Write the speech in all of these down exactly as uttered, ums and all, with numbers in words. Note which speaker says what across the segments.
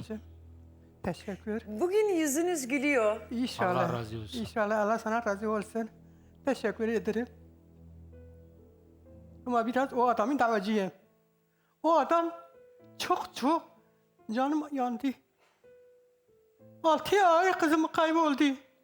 Speaker 1: kızım. Teşekkür.
Speaker 2: Bugün yüzünüz gülüyor.
Speaker 1: İnşallah.
Speaker 3: Allah razı olsun.
Speaker 1: İnşallah Allah sana razı olsun. Teşekkür ederim. Ama biraz o adamın davacıyım. O adam çok çok canım yandı. Altı ay kızım kayboldu.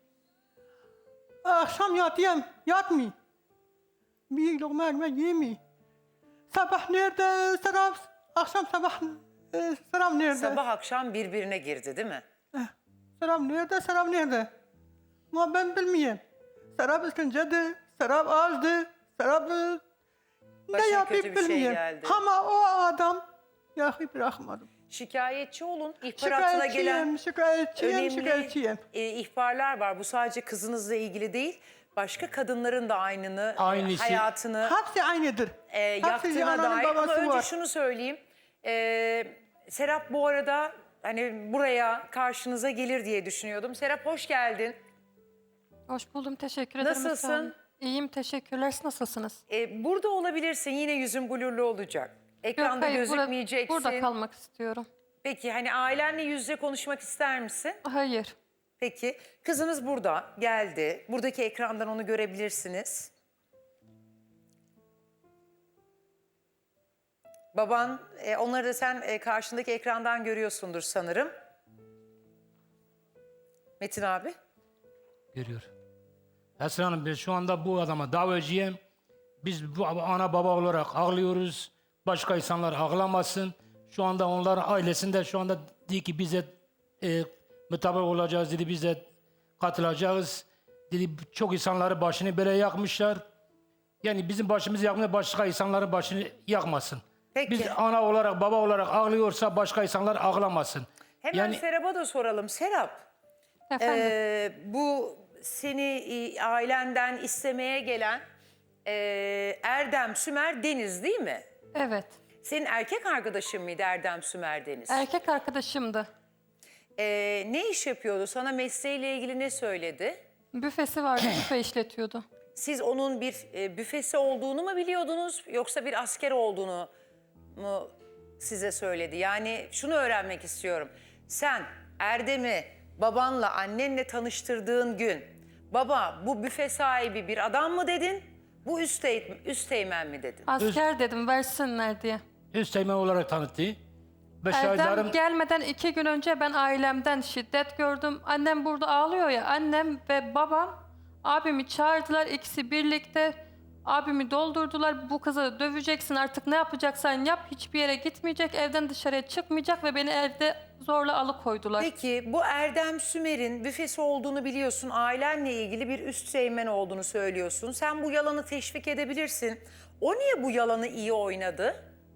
Speaker 1: Akşam yatıyorum, yatmıyor. Bir lokma ekmek yemiyor. Sabah nerede, sabah, akşam sabah, e, sabah nerede?
Speaker 2: Sabah akşam birbirine girdi değil mi?
Speaker 1: Serap nerede, Serap nerede? Ama ben bilmiyorum. Serap ısıncadı, Serap azdı, Serap e, ne
Speaker 2: Başına
Speaker 1: yapıp
Speaker 2: kötü bir şey
Speaker 1: bilmiyorum.
Speaker 2: geldi.
Speaker 1: Ama o adam yahu bırakmadım.
Speaker 2: Şikayetçi olun. İhbaratına gelen
Speaker 1: Şikayetçiyim, şikayetçiyim,
Speaker 2: önemli
Speaker 1: şikayetçiyim.
Speaker 2: e, ihbarlar var. Bu sadece kızınızla ilgili değil. Başka kadınların da aynını, e,
Speaker 3: Aynısı.
Speaker 2: hayatını
Speaker 1: Hepsi aynıdır.
Speaker 2: e,
Speaker 1: Hepsi
Speaker 2: yaktığına
Speaker 1: ananın
Speaker 2: dair. Ama
Speaker 1: babası
Speaker 2: önce
Speaker 1: var.
Speaker 2: şunu söyleyeyim. E, Serap bu arada hani buraya karşınıza gelir diye düşünüyordum. Serap hoş geldin.
Speaker 4: Hoş buldum, teşekkür ederim.
Speaker 2: Nasılsın?
Speaker 4: Esra Hanım. İyiyim, teşekkürler. Siz nasılsınız?
Speaker 2: E, burada olabilirsin. Yine yüzün blurlu olacak. Ekranda
Speaker 4: hayır, burada-
Speaker 2: gözükmeyeceksin.
Speaker 4: Burada kalmak istiyorum.
Speaker 2: Peki hani ailenle yüz yüze konuşmak ister misin?
Speaker 4: Hayır.
Speaker 2: Peki kızınız burada geldi. Buradaki ekrandan onu görebilirsiniz. Baban, e, onları da sen e, karşındaki ekrandan görüyorsundur sanırım. Metin abi.
Speaker 3: Görüyor. Esra Hanım ben şu anda bu adama davacıyım. Biz bu ana baba olarak ağlıyoruz. Başka insanlar ağlamasın. Şu anda onların ailesinde şu anda dedi ki bize e, mutabık olacağız dedi. Bize katılacağız. Dedi çok insanları başını böyle yakmışlar. Yani bizim başımızı yakmıyor, başka insanların başını yakmasın.
Speaker 2: Peki.
Speaker 3: Biz ana olarak baba olarak ağlıyorsa başka insanlar ağlamasın.
Speaker 2: Hemen
Speaker 3: Yani
Speaker 2: Serap'a da soralım. Serap,
Speaker 4: Efendim,
Speaker 2: e, bu seni e, ailenden istemeye gelen e, Erdem Sümer Deniz değil mi?
Speaker 4: evet.
Speaker 2: Senin erkek arkadaşın mıydı Erdem Sümer Deniz?
Speaker 4: Erkek arkadaşımdı.
Speaker 2: Ee, ne iş yapıyordu? Sana mesleğiyle ilgili ne söyledi?
Speaker 4: Büfesi vardı, büfe işletiyordu.
Speaker 2: Siz onun bir e, büfesi olduğunu mu biliyordunuz yoksa bir asker olduğunu mu size söyledi? Yani şunu öğrenmek istiyorum. Sen Erdem'i babanla annenle tanıştırdığın gün baba bu büfe sahibi bir adam mı dedin? Bu üstey, üsteğmen mi dedin?
Speaker 4: Asker dedim, versinler diye.
Speaker 3: üsteğmen olarak tanıttı. Ve
Speaker 4: Erdem
Speaker 3: şahitlerim
Speaker 4: gelmeden iki gün önce ben ailemden şiddet gördüm. Annem burada ağlıyor ya. Annem ve babam abimi çağırdılar. İkisi birlikte abimi doldurdular. Bu kızı döveceksin, artık ne yapacaksan yap. Hiçbir yere gitmeyecek, evden dışarıya çıkmayacak ve beni evde zorla alıkoydular.
Speaker 2: Peki bu Erdem Sümer'in büfesi olduğunu biliyorsun. Ailenle ilgili bir üsteğmen olduğunu söylüyorsun. Sen bu yalanı teşvik edebilirsin. O niye bu yalanı iyi oynadı?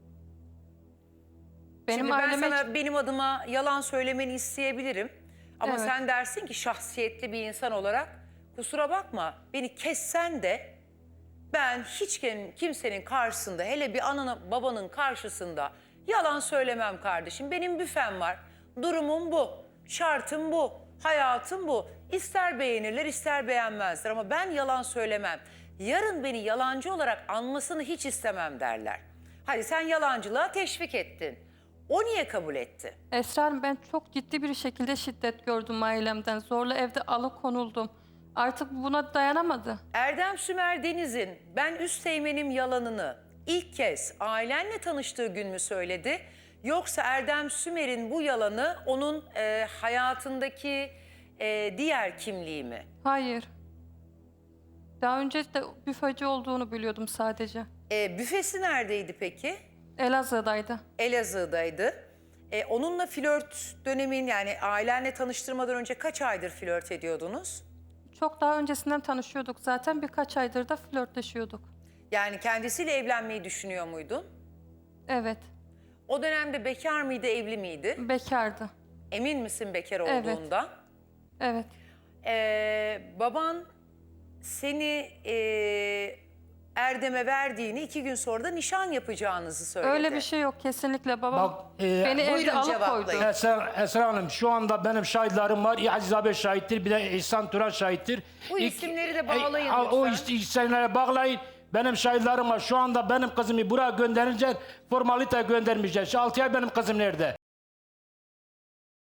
Speaker 4: Benim
Speaker 2: Şimdi ben
Speaker 4: aileme
Speaker 2: sana benim adıma yalan söylemeni isteyebilirim. Ama
Speaker 4: Evet.
Speaker 2: sen dersin ki şahsiyetli bir insan olarak kusura bakma beni kessen de ben hiç kim- kimsenin karşısında hele bir ananın babanın karşısında yalan söylemem kardeşim. Benim büfem var. Durumum bu. Şartım bu. Hayatım bu. İster beğenirler ister beğenmezler ama ben yalan söylemem. Yarın beni yalancı olarak anmasını hiç istemem derler. Hadi sen yalancılığa teşvik ettin. O niye kabul etti?
Speaker 4: Esra Hanım, ben çok ciddi bir şekilde şiddet gördüm ailemden. Zorla evde alıkonuldum. Artık buna dayanamadı.
Speaker 2: Erdem Sümer Deniz'in ben üsteğmenim yalanını ilk kez ailenle tanıştığı gün mü söyledi? Yoksa Erdem Sümer'in bu yalanı onun e, hayatındaki e, diğer kimliği mi?
Speaker 4: Hayır. Daha önce de büfeci olduğunu biliyordum sadece.
Speaker 2: E, büfesi neredeydi peki?
Speaker 4: Elazığ'daydı.
Speaker 2: Elazığ'daydı. E, onunla flört dönemin yani ailenle tanıştırmadan önce kaç aydır flört ediyordunuz?
Speaker 4: Çok daha öncesinden tanışıyorduk zaten. Birkaç aydır da flörtleşiyorduk.
Speaker 2: Yani kendisiyle evlenmeyi düşünüyor muydun?
Speaker 4: Evet.
Speaker 2: O dönemde bekar mıydı, evli miydi?
Speaker 4: Bekardı.
Speaker 2: Emin misin bekar
Speaker 4: Evet.
Speaker 2: olduğundan?
Speaker 4: Evet.
Speaker 2: Ee, baban seni e, Erdem'e verdiğini iki gün sonra da nişan yapacağınızı söyledi.
Speaker 4: Öyle bir şey yok kesinlikle. Babam
Speaker 3: Bak, e,
Speaker 4: beni evde
Speaker 2: buyurun
Speaker 4: alıkoydu.
Speaker 2: cevaplayın.
Speaker 3: Esra, Esra Hanım şu anda benim şahitlerim var. Aziz abi şahittir. Bir de İhsan Turan şahittir.
Speaker 2: Bu
Speaker 3: İlk-
Speaker 2: isimleri de bağlayın
Speaker 3: E, O
Speaker 2: lütfen.
Speaker 3: isimleri bağlayın. Benim şahitlerim var. Şu anda benim kızımı buraya gönderince formalite göndermeyeceğiz. Şu altı ay benim kızım nerede?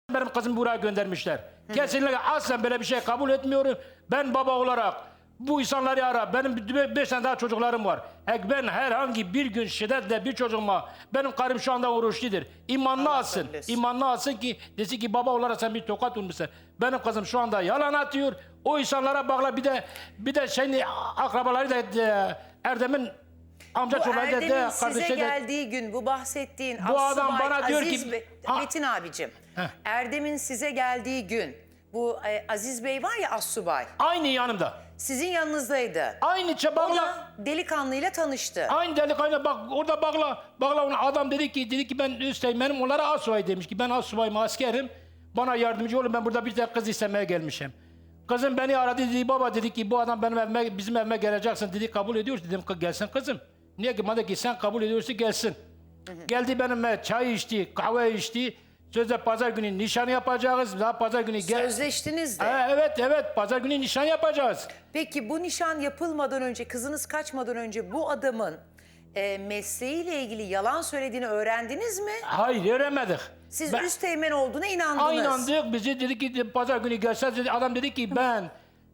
Speaker 3: Benim kızımı buraya göndermişler. Kesinlikle aslen böyle bir şey kabul etmiyorum. Ben baba olarak bu insanları ara. Benim beş tane daha çocuklarım var. Eğer ben herhangi bir gün şiddetle bir çocuğuma, benim karım şu anda oruçludur. İmanlı alsın.
Speaker 2: söylesin.
Speaker 3: İmanlı alsın ki desin ki baba olarak sen bir tokat vurmuşsun. Benim kızım şu anda yalan atıyor. O insanlara bağla bir de bir de şeyin akrabaları da e, Erdem'in amca
Speaker 2: Bu
Speaker 3: çocukları da
Speaker 2: Erdem'in
Speaker 3: de,
Speaker 2: size
Speaker 3: kardeşi de.
Speaker 2: geldiği gün bu bahsettiğin
Speaker 3: Bu
Speaker 2: Assubay
Speaker 3: adam bana diyor ki-
Speaker 2: Aziz Bey-
Speaker 3: Ha.
Speaker 2: Metin abicim.
Speaker 3: Heh.
Speaker 2: Erdem'in size geldiği gün bu e, Aziz Bey var ya Assubay.
Speaker 3: Aynı yanımda.
Speaker 2: Sizin yanınızdaydı.
Speaker 3: Aynı
Speaker 2: O
Speaker 3: çabakla.
Speaker 2: da delikanlıyla tanıştı.
Speaker 3: Aynı delikanlı bak orada bağla. Bağla onu adam dedi ki dedi ki ben üsteğmenim onlara asubay demiş ki ben asubayım askerim. Bana yardımcı olun ben burada bir tane kız istemeye gelmişim. Kızım beni aradı dedi baba dedi ki bu adam benim evime bizim evime geleceksin dedi kabul ediyorsun dedim gelsin kızım. Niye ki bana ki sen kabul ediyorsun gelsin. Geldi benimle çay içti kahve içti. Sözde pazar günü nişan yapacağız. Daha pazar günü gel.
Speaker 2: Sözleştiniz de.
Speaker 3: Ha, evet evet pazar günü nişan yapacağız.
Speaker 2: Peki bu nişan yapılmadan önce, kızınız kaçmadan önce bu adamın e, mesleğiyle ilgili yalan söylediğini öğrendiniz mi?
Speaker 3: Hayır öğrenmedik.
Speaker 2: Siz
Speaker 3: Ben-
Speaker 2: üsteğmen olduğuna inandınız.
Speaker 3: Aynandık bizi dedi ki pazar günü gelseniz dedi. Adam dedi ki ben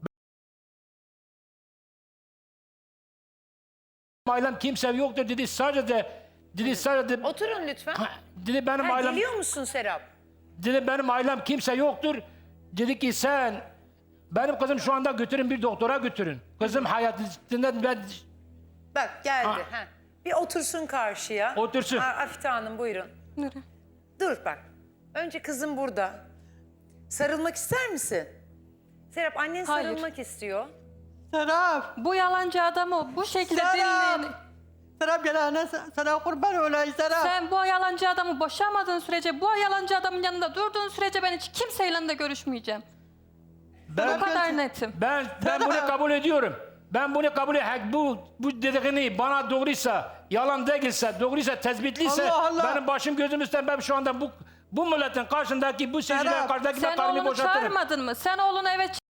Speaker 3: ailem kimse yoktur dedi sadece dedi sadece
Speaker 2: Oturun lütfen.
Speaker 3: Ha, dedi benim
Speaker 2: Ha,
Speaker 3: ailem
Speaker 2: geliyor musun Serap?
Speaker 3: dedi benim ailem kimse yoktur. Dedi ki sen benim kızım şu anda götürün bir doktora götürün. Kızım hayatından ben
Speaker 2: Bak geldi.
Speaker 3: Ha.
Speaker 2: Ha. Bir otursun karşıya.
Speaker 3: Otursun.
Speaker 2: Ha, Afite Hanım buyurun.
Speaker 4: Nereye?
Speaker 2: Dur bak. Önce kızım burada. Sarılmak ister misin? Serap annen
Speaker 4: Hayır.
Speaker 2: sarılmak istiyor.
Speaker 1: Serap.
Speaker 4: Bu yalancı adamı bu şekilde
Speaker 1: Serap.
Speaker 4: dinleyin.
Speaker 1: Serap gel anne sana kurban olayım Serap.
Speaker 4: Sen bu yalancı adamı boşamadığın sürece, bu yalancı adamın yanında durduğun sürece ben hiç kimseyle de görüşmeyeceğim.
Speaker 3: ben
Speaker 4: Bu kadar netim.
Speaker 3: ben ben bunu kabul ediyorum. Ben bunu kabul ediyorum. Bu bu dediğini bana doğruysa, yalan değilse, doğruysa, tespitliyse
Speaker 1: Allah Allah.
Speaker 3: benim başım gözüm üstten ben şu anda bu bu milletin karşındaki bu seyircilerin
Speaker 1: Serap,
Speaker 3: karşısındaki ben
Speaker 4: Sen
Speaker 3: karımı
Speaker 4: oğlunu
Speaker 3: boşaltırım.
Speaker 4: çağırmadın mı? Sen oğlunu eve ç-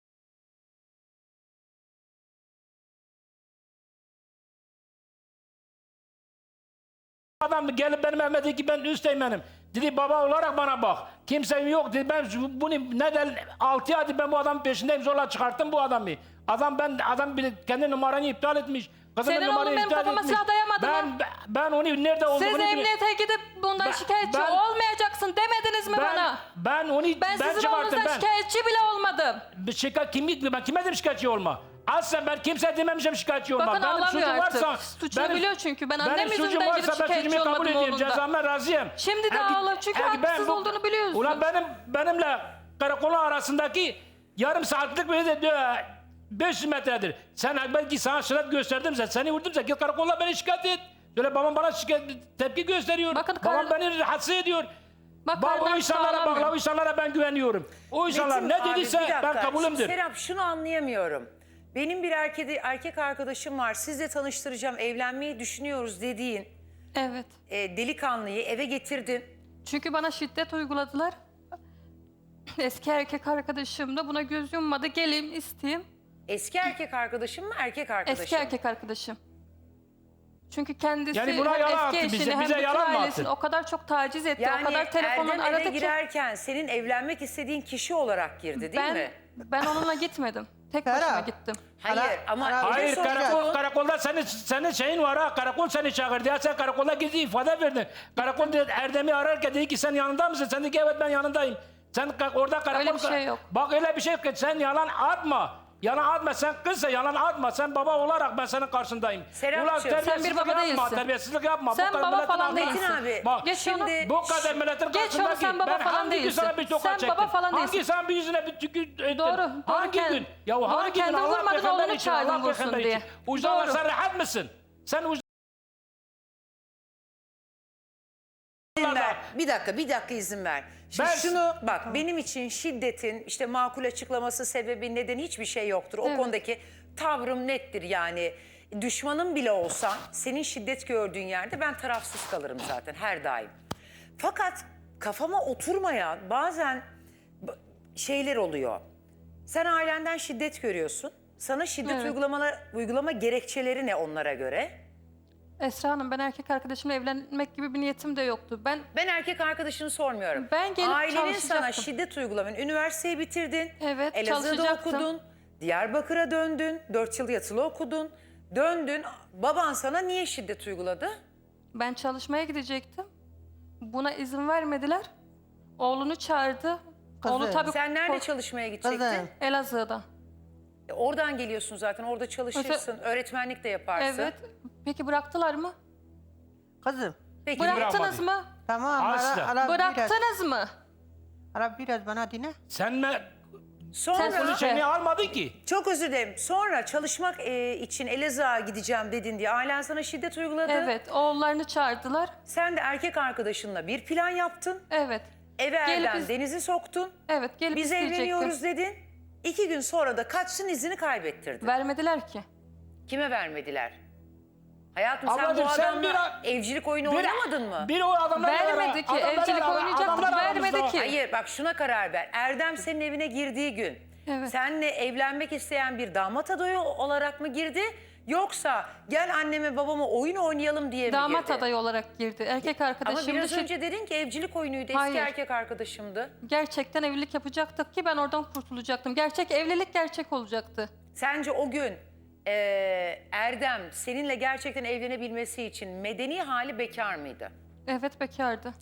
Speaker 3: Adam gelip benim evime dedi ki ben üsteğmenim. Dedi baba olarak bana bak. Kimsem yok dedi. Ben şu- bunu neden altı aydır ben bu adamın peşindeyim zorla çıkarttım bu adamı. Adam ben adam bir kendi numaranı iptal etmiş. Kızımın
Speaker 4: Senin oğlun
Speaker 3: numaranı
Speaker 4: benim
Speaker 3: iptal
Speaker 4: kafama
Speaker 3: etmiş.
Speaker 4: silah dayamadı
Speaker 3: ben,
Speaker 4: mı?
Speaker 3: Ben onu nerede olduğunu
Speaker 4: siz
Speaker 3: biliyorum.
Speaker 4: emniyete gidip bundan
Speaker 3: Ben-
Speaker 4: şikayetçi
Speaker 3: ben-
Speaker 4: olmayacaksın demediniz mi
Speaker 3: Ben,
Speaker 4: bana?
Speaker 3: ben onu
Speaker 4: Ben,
Speaker 3: ben,
Speaker 4: sizin
Speaker 3: çıkarttım
Speaker 4: oğlunuzdan
Speaker 3: ben.
Speaker 4: şikayetçi bile olmadım.
Speaker 3: Bir şikayet kim ben kime dedim şikayetçi olma. Aslen ben kimse dememişim şikayetçi olma.
Speaker 4: Bakın
Speaker 3: benim
Speaker 4: ağlamıyor
Speaker 3: suçum
Speaker 4: artık.
Speaker 3: varsa
Speaker 4: Suçunu biliyor çünkü. Ben annem
Speaker 3: benim suçum
Speaker 4: yüzünden
Speaker 3: varsa
Speaker 4: gidip
Speaker 3: ben
Speaker 4: şikayetçi
Speaker 3: suçumu kabul
Speaker 4: olmadım
Speaker 3: edeyim.
Speaker 4: oğlundan.
Speaker 3: Cezama razıyım.
Speaker 4: Şimdi de
Speaker 3: Eğer-
Speaker 4: ağla çünkü
Speaker 3: eğer ben
Speaker 4: haksız
Speaker 3: bu-
Speaker 4: olduğunu biliyorsun.
Speaker 3: Ulan benim benimle karakolun arasındaki yarım saatlik bir de diyor, beş yüz metredir. Sen belki sana şiddet gösterdimse, seni vurdumsa git karakola beni şikayet et. Böyle babam bana şikayet, tepki gösteriyor.
Speaker 4: Bakın
Speaker 3: babam
Speaker 4: kar-
Speaker 3: beni rahatsız ediyor.
Speaker 4: Bak,
Speaker 3: Bak o
Speaker 4: karnım
Speaker 3: insanlara
Speaker 4: sağlam
Speaker 3: bak,
Speaker 4: benim.
Speaker 3: o insanlara ben güveniyorum. O insanlar
Speaker 2: Metin
Speaker 3: ne
Speaker 2: abi,
Speaker 3: dediyse
Speaker 2: bir dakika.
Speaker 3: ben kabulümdür.
Speaker 2: Serap şunu anlayamıyorum. Benim bir erkek, erkek arkadaşım var. Sizle tanıştıracağım, evlenmeyi düşünüyoruz dediğin
Speaker 4: Evet.
Speaker 2: e, delikanlıyı eve getirdin.
Speaker 4: Çünkü bana şiddet uyguladılar. Eski erkek arkadaşım da buna göz yummadı. Geleyim isteyeyim.
Speaker 2: Eski erkek arkadaşım mı, erkek arkadaşım?
Speaker 4: Eski erkek arkadaşım. Çünkü kendisi
Speaker 3: Yani buna
Speaker 4: hem
Speaker 3: yalan
Speaker 4: eski
Speaker 3: attı,
Speaker 4: eşini
Speaker 3: bize-
Speaker 4: hem
Speaker 3: bize
Speaker 4: bütün
Speaker 3: yalan mı
Speaker 4: ailesini
Speaker 3: attı?
Speaker 4: o kadar çok taciz etti.
Speaker 2: Yani
Speaker 4: o kadar telefonla
Speaker 2: Erdem eve
Speaker 4: aradı ki.
Speaker 2: girerken senin evlenmek istediğin kişi olarak girdi değil
Speaker 4: Ben,
Speaker 2: mi?
Speaker 4: ben onunla gitmedim. Tek başıma
Speaker 1: Serap.
Speaker 4: gittim.
Speaker 2: Hayır
Speaker 1: Ara-
Speaker 2: ama
Speaker 1: ara-
Speaker 2: bir de
Speaker 3: Hayır
Speaker 2: soracağım.
Speaker 3: karakol, karakolda senin, senin şeyin var ha. Karakol seni çağırdı. Ya sen karakolda gizli ifade verdin. Karakol dedi, Erdem'i ararken dedi ki sen yanında mısın? Sen dedi ki evet ben yanındayım. Sen ka- orada karakol...
Speaker 4: Öyle bir şey yok.
Speaker 3: Bak öyle bir şey yok ki sen yalan atma. Yalan atma sen kızsa yalan atma. Sen baba olarak ben senin karşındayım.
Speaker 2: Serapcığım, sen bir
Speaker 3: terbiyesizlik
Speaker 4: baba
Speaker 3: yapma,
Speaker 4: değilsin.
Speaker 3: Terbiyesizlik yapma.
Speaker 4: Sen
Speaker 3: Bu kadar
Speaker 4: baba
Speaker 3: milletin
Speaker 4: falan
Speaker 3: ağzına-
Speaker 4: değilsin.
Speaker 2: Metin abi,
Speaker 3: Bak
Speaker 4: Geç
Speaker 2: şimdi
Speaker 4: onu.
Speaker 3: bu kadar milletin
Speaker 4: Geç onu,
Speaker 3: karşısındaki
Speaker 4: sen baba
Speaker 3: ben
Speaker 4: falan
Speaker 3: hangi gün
Speaker 4: değilsin.
Speaker 3: sana bir tokat
Speaker 4: Sen
Speaker 3: çektim?
Speaker 4: baba falan
Speaker 3: hangi
Speaker 4: değilsin.
Speaker 3: sen bir yüzüne bir tükür ettin?
Speaker 4: Doğru, doğru
Speaker 3: Hangi
Speaker 4: kend-
Speaker 3: gün? Ya
Speaker 4: doğru
Speaker 3: hangi gün
Speaker 4: kendin
Speaker 3: Allah
Speaker 4: vurmadın,
Speaker 3: peygamber
Speaker 4: oğlunu
Speaker 3: için,
Speaker 4: çağırdın
Speaker 3: Allah
Speaker 4: vursun
Speaker 3: peygamber
Speaker 4: diye.
Speaker 3: için. Ucdan
Speaker 4: Doğru.
Speaker 3: sen rahat mısın? Sen ucdan
Speaker 2: İzin ver. Bir dakika, bir dakika izin ver. Şimdi
Speaker 3: Ben-
Speaker 2: şunu bak, benim için şiddetin işte makul açıklaması, sebebi, nedeni hiçbir şey yoktur. O
Speaker 4: Evet.
Speaker 2: konudaki tavrım nettir yani. Düşmanım bile olsan senin şiddet gördüğün yerde ben tarafsız kalırım zaten her daim. Fakat kafama oturmayan bazen b- şeyler oluyor. Sen ailenden şiddet görüyorsun. Sana şiddet
Speaker 4: Evet.
Speaker 2: uygulama, uygulama gerekçeleri ne onlara göre?
Speaker 4: Esra Hanım, ben erkek arkadaşımla evlenmek gibi bir niyetim de yoktu. Ben
Speaker 2: Ben erkek arkadaşını sormuyorum.
Speaker 4: Ben gelip
Speaker 2: Ailenin sana
Speaker 4: çalışacaktım.
Speaker 2: şiddet uygulaman. Üniversiteyi bitirdin.
Speaker 4: Evet,
Speaker 2: Elazığ'da
Speaker 4: çalışacaktım.
Speaker 2: okudun. Diyarbakır'a döndün. Dört yıl yatılı okudun. Döndün. Baban sana niye şiddet uyguladı?
Speaker 4: ben çalışmaya gidecektim. Buna izin vermediler. Oğlunu çağırdı.
Speaker 1: Kızım,
Speaker 4: Oğlu tabii
Speaker 2: Sen nerede
Speaker 4: kork-
Speaker 2: çalışmaya gidecektin?
Speaker 1: Kızım.
Speaker 4: Elazığ'da.
Speaker 2: E, Oradan geliyorsun zaten. Orada çalışırsın. Öğretmenlik de yaparsın.
Speaker 4: Evet. Peki bıraktılar mı?
Speaker 1: Kızım.
Speaker 2: Peki.
Speaker 4: Bıraktınız
Speaker 3: bırakmadı.
Speaker 4: mı?
Speaker 1: Tamam.
Speaker 3: Asla.
Speaker 1: Ara, ara biraz,
Speaker 4: Bıraktınız mı?
Speaker 1: ara biraz bana dinle.
Speaker 3: Sen mi?
Speaker 2: Sonra
Speaker 4: Sen-
Speaker 3: Bunu seni almadın ki.
Speaker 2: çok özür dilerim. Sonra çalışmak e, için Elazığ'a gideceğim dedin diye ailen sana şiddet uyguladı.
Speaker 4: Evet. Oğullarını çağırdılar.
Speaker 2: Sen de erkek arkadaşınla bir plan yaptın.
Speaker 4: Evet.
Speaker 2: Eve
Speaker 4: Gelip
Speaker 2: Erdem
Speaker 4: biz-
Speaker 2: Deniz'i soktun.
Speaker 4: Evet. Gelip
Speaker 2: Biz
Speaker 4: isteyecektim.
Speaker 2: evleniyoruz dedin. İki gün sonra da kaçsın izini kaybettirdin.
Speaker 4: Vermediler ki.
Speaker 2: Kime vermediler? Hayatım sen
Speaker 3: Ablacığım,
Speaker 2: bu
Speaker 3: sen
Speaker 2: adamla
Speaker 3: bir-
Speaker 2: evcilik oyunu
Speaker 3: Bir-
Speaker 2: oynamadın mı?
Speaker 3: Bir o adamlar
Speaker 4: Vermedi ki, evcilik oynayacaktık, vermedi ki.
Speaker 2: Hayır bak şuna karar ver. Erdem senin evine girdiği gün
Speaker 4: Evet.
Speaker 2: seninle evlenmek isteyen bir damat adayı olarak mı girdi? Yoksa gel anneme babama oyun oynayalım diye mi
Speaker 4: Damat
Speaker 2: girdi?
Speaker 4: adayı olarak girdi. Erkek
Speaker 2: Ama
Speaker 4: arkadaşım
Speaker 2: biraz
Speaker 4: dışı-
Speaker 2: önce dedin ki evcilik oyunuydu. Eski
Speaker 4: Hayır.
Speaker 2: erkek arkadaşımdı.
Speaker 4: gerçekten evlilik yapacaktık ki ben oradan kurtulacaktım. Gerçek evlilik gerçek olacaktı.
Speaker 2: Sence o gün eee, Erdem seninle gerçekten evlenebilmesi için medeni hali bekar mıydı?
Speaker 4: Evet, bekardı.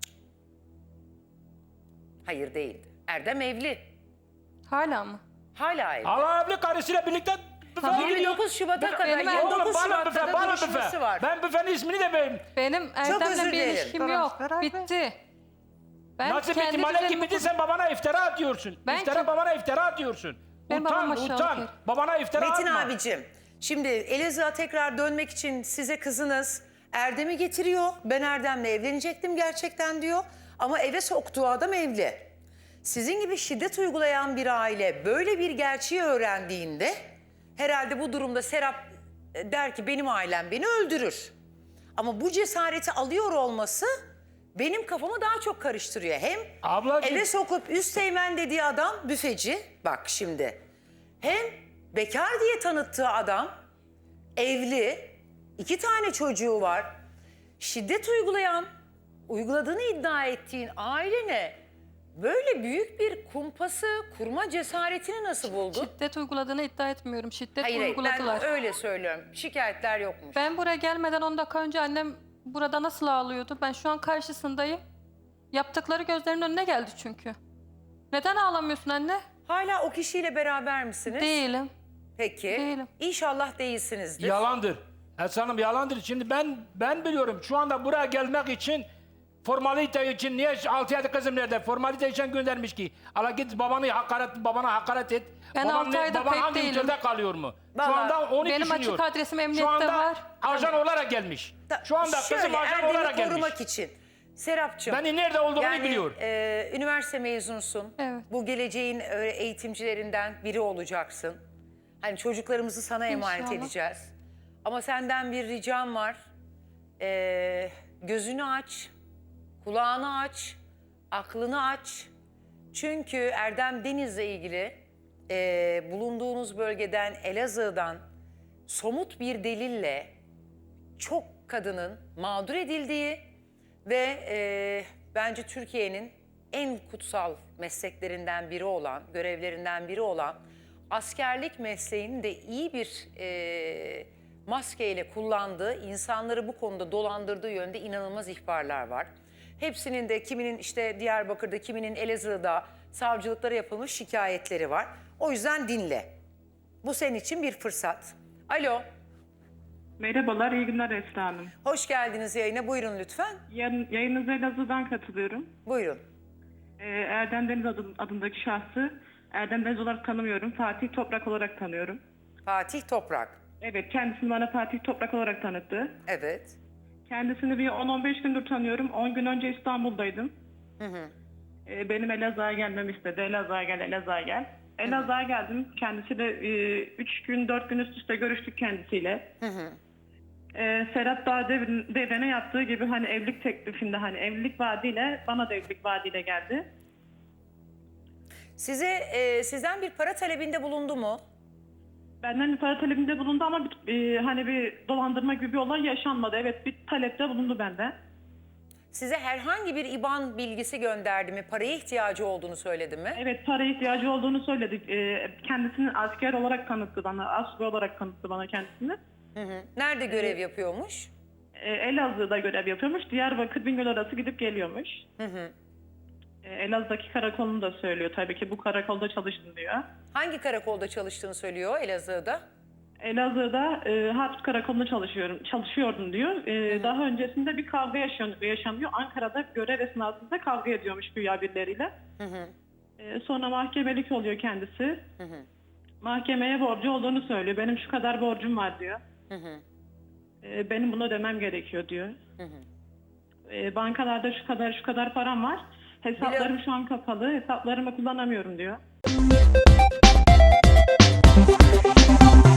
Speaker 2: Hayır değildi. Erdem evli.
Speaker 4: Hala mı?
Speaker 2: Hala evli.
Speaker 3: Allah evli karısıyla birlikte büfeye gidiyor.
Speaker 2: yirmi dokuz Şubat'a kadar,
Speaker 4: benim
Speaker 2: yirmi
Speaker 3: Oğlum
Speaker 2: dokuz
Speaker 3: bana
Speaker 2: Şubat'ta
Speaker 3: büfe,
Speaker 2: da
Speaker 3: bana
Speaker 2: görüşmesi
Speaker 3: büfe.
Speaker 2: var.
Speaker 3: Ben büfenin ismini de vereyim.
Speaker 4: Benim
Speaker 2: özür
Speaker 4: Erdem'le bir
Speaker 2: dilerim.
Speaker 4: ilişkim
Speaker 1: Beraber-
Speaker 4: yok.
Speaker 1: beraber.
Speaker 4: Bitti. Ben
Speaker 3: Nasıl bitti?
Speaker 4: kendi
Speaker 3: Malek
Speaker 4: düzenimi
Speaker 3: gibi
Speaker 4: kur-
Speaker 3: sen babana iftira atıyorsun.
Speaker 4: Ben
Speaker 3: iftira
Speaker 4: kim-
Speaker 3: babana iftira atıyorsun.
Speaker 4: Ben
Speaker 3: utan,
Speaker 4: babama şahit
Speaker 3: utan.
Speaker 4: değilim.
Speaker 3: Babana iftira
Speaker 2: Metin
Speaker 3: atma.
Speaker 2: abicim, şimdi Elazığ'a tekrar dönmek için size kızınız Erdem'i getiriyor. Ben Erdem'le evlenecektim gerçekten diyor. Ama eve soktuğu adam evli. Sizin gibi şiddet uygulayan bir aile böyle bir gerçeği öğrendiğinde herhalde bu durumda Serap e, der ki benim ailem beni öldürür. Ama bu cesareti alıyor olması benim kafamı daha çok karıştırıyor. Hem
Speaker 3: Ablacığım-
Speaker 2: eve sokup üst teğmen dediği adam büfeci, bak şimdi. Hem bekar diye tanıttığı adam evli, iki tane çocuğu var. Şiddet uygulayan, uyguladığını iddia ettiğin ailene böyle büyük bir kumpası kurma cesaretini nasıl buldun?
Speaker 4: Şiddet uyguladığını iddia etmiyorum. Şiddet
Speaker 2: Hayır, hayır,
Speaker 4: uyguladılar.
Speaker 2: ben öyle söylüyorum. Şikayetler yokmuş.
Speaker 4: Ben buraya gelmeden on dakika önce annem burada nasıl ağlıyordu? Ben şu an karşısındayım. Yaptıkları gözlerimin önüne geldi çünkü. Neden ağlamıyorsun anne?
Speaker 2: Hala o kişiyle beraber misiniz?
Speaker 4: Değilim.
Speaker 2: Peki.
Speaker 4: Değilim.
Speaker 2: İnşallah değilsinizdir.
Speaker 3: Yalandır. Esra Hanım yalandır. Şimdi ben ben biliyorum şu anda buraya gelmek için formalite için niye altı yedi kızım nerede? Formalite için göndermiş ki. Ala git babanı hakaret babana hakaret et.
Speaker 4: Ben
Speaker 3: Baban
Speaker 4: altı
Speaker 3: ne-
Speaker 4: ayda
Speaker 3: baban
Speaker 4: pek
Speaker 3: hangi
Speaker 4: değilim.
Speaker 3: ülkede kalıyor mu?
Speaker 2: Vallahi
Speaker 3: şu anda onu
Speaker 4: benim
Speaker 3: düşünüyor.
Speaker 4: açık adresim
Speaker 3: Şu
Speaker 4: emniyette
Speaker 3: anda
Speaker 4: var.
Speaker 3: ajan olarak gelmiş.
Speaker 2: Da-
Speaker 3: Şu anda
Speaker 2: Şöyle,
Speaker 3: kızım ajan
Speaker 2: Erdem'i
Speaker 3: olarak gelmiş.
Speaker 2: korumak için. Serapcığım.
Speaker 3: Beni nerede olduğunu
Speaker 2: yani,
Speaker 3: biliyor.
Speaker 2: e, üniversite mezunusun.
Speaker 4: Evet.
Speaker 2: Bu geleceğin e, eğitimcilerinden biri olacaksın. Hani çocuklarımızı sana emanet
Speaker 4: İnşallah.
Speaker 2: edeceğiz. Ama senden bir ricam var. E, gözünü aç, kulağını aç, aklını aç. Çünkü Erdem Deniz'le ilgili e, bulunduğunuz bölgeden, Elazığ'dan somut bir delille çok kadının mağdur edildiği ve e, bence Türkiye'nin en kutsal mesleklerinden biri olan, görevlerinden biri olan askerlik mesleğini de iyi bir e, maskeyle kullandığı, insanları bu konuda dolandırdığı yönde inanılmaz ihbarlar var. Hepsinin de kiminin işte Diyarbakır'da, kiminin Elazığ'da savcılıklara yapılmış şikayetleri var. O yüzden dinle. Bu senin için bir fırsat. Alo,
Speaker 5: Merhabalar, iyi günler Esra Hanım.
Speaker 2: hoş geldiniz yayına. Buyurun lütfen.
Speaker 5: Yan, yayınınıza Elazığ'dan katılıyorum.
Speaker 2: Buyurun.
Speaker 5: Ee, Erdem Deniz adı- adındaki şahsı Erdem Deniz olarak tanımıyorum. Fatih Toprak olarak tanıyorum.
Speaker 2: Fatih Toprak.
Speaker 5: Evet, kendisini bana Fatih Toprak olarak tanıttı.
Speaker 2: Evet.
Speaker 5: Kendisini bir on on beş gündür tanıyorum. on gün önce İstanbul'daydım.
Speaker 2: Hı hı.
Speaker 5: Ee, benim Elazığ'a gelmemi istedi. Elazığ'a gel, Elazığ'a gel. Elazığ'a geldim. Kendisiyle e, üç gün, dört gün üst üste görüştük kendisiyle.
Speaker 2: Hı hı.
Speaker 5: Ee, Serap daha dev- devrene yaptığı gibi hani evlilik teklifinde hani evlilik vaadiyle bana da evlilik vaadiyle geldi.
Speaker 2: Size e, sizden bir para talebinde bulundu mu?
Speaker 5: Benden para talebinde bulundu ama bir, e, hani bir dolandırma gibi bir olay yaşanmadı. Evet, bir talepte bulundu benden.
Speaker 2: Size herhangi bir İban bilgisi gönderdi mi? Paraya ihtiyacı olduğunu söyledi mi?
Speaker 5: Evet, para ihtiyacı olduğunu söyledi. E, kendisini asker olarak tanıttı bana, asubay olarak tanıttı bana kendisini.
Speaker 2: Hı hı. Nerede görev yapıyormuş?
Speaker 5: E, Elazığ'da görev yapıyormuş. Diyarbakır Bingöl arası gidip geliyormuş.
Speaker 2: Hı hı.
Speaker 5: E, Elazığ'daki karakolunu da söylüyor tabii ki, bu karakolda çalıştım diyor.
Speaker 2: Hangi karakolda çalıştığını söylüyor Elazığ'da?
Speaker 5: Elazığ'da e, Harp Karakolu'nda çalışıyorum, çalışıyordum diyor. E, daha öncesinde bir kavga yaşanıyor, yaşanıyor. Ankara'da görev esnasında kavga ediyormuş güya birileriyle.
Speaker 2: Hı hı.
Speaker 5: E, sonra mahkemelik oluyor kendisi.
Speaker 2: Hı hı.
Speaker 5: Mahkemeye borcu olduğunu söylüyor. Benim şu kadar borcum var diyor.
Speaker 2: Hı hı.
Speaker 5: E, benim bunu ödemem gerekiyor diyor.
Speaker 2: Hı hı.
Speaker 5: E, bankalarda şu kadar şu kadar param var. Hesaplarım
Speaker 2: Biliyorum.
Speaker 5: şu an kapalı. Hesaplarımı kullanamıyorum diyor.